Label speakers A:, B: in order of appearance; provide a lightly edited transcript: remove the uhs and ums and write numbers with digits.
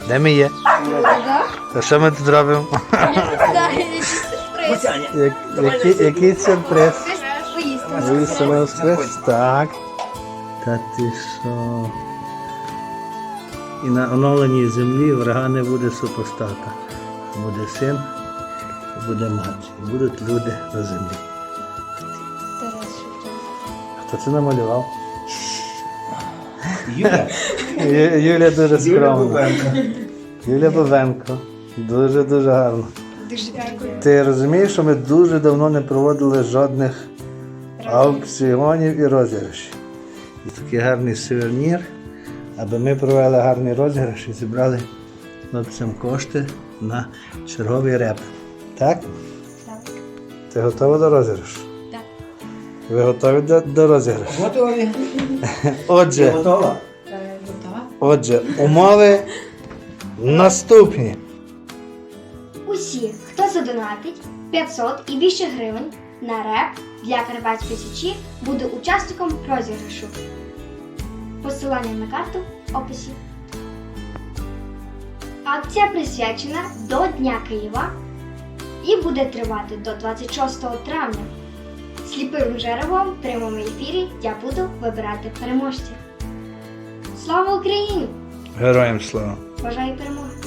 A: Де ми є? А що ми тут робимо? Який сюрприз? Виїсти на воскрес? Так. Та ти що? І на оновленій землі врага не буде супостата. Буде син і буде мати. І будуть люди на землі. Хто це намалював?
B: Юля.
A: Юля дуже скромна. Юля Бовенко. Дуже гарно.
C: Дуже дякую.
A: Ти розумієш, що ми дуже давно не проводили жодних аукціонів і розіграшів. І такий гарний сувенір, аби ми провели гарний розіграш і зібрали хлопцям кошти на черговий реп. Так?
C: Так.
A: Ти готова до розіграшу?
C: Так.
A: Ви готові до розіграшу?
B: Готові?
A: Отже,
B: Готова?
C: Готова?
A: Умови наступні.
D: Усі, хто задонатить 500 і більше гривень на реп для Карпатської Січі, буде учасником розіграшу. Посилання на карту в описі. Акція присвячена до Дня Києва і буде тривати до 26 травня. Сліпим жеребом в прямому ефірі я буду вибирати переможців. Слава Україні!
A: Героям слава!
D: Бажаю перемоги!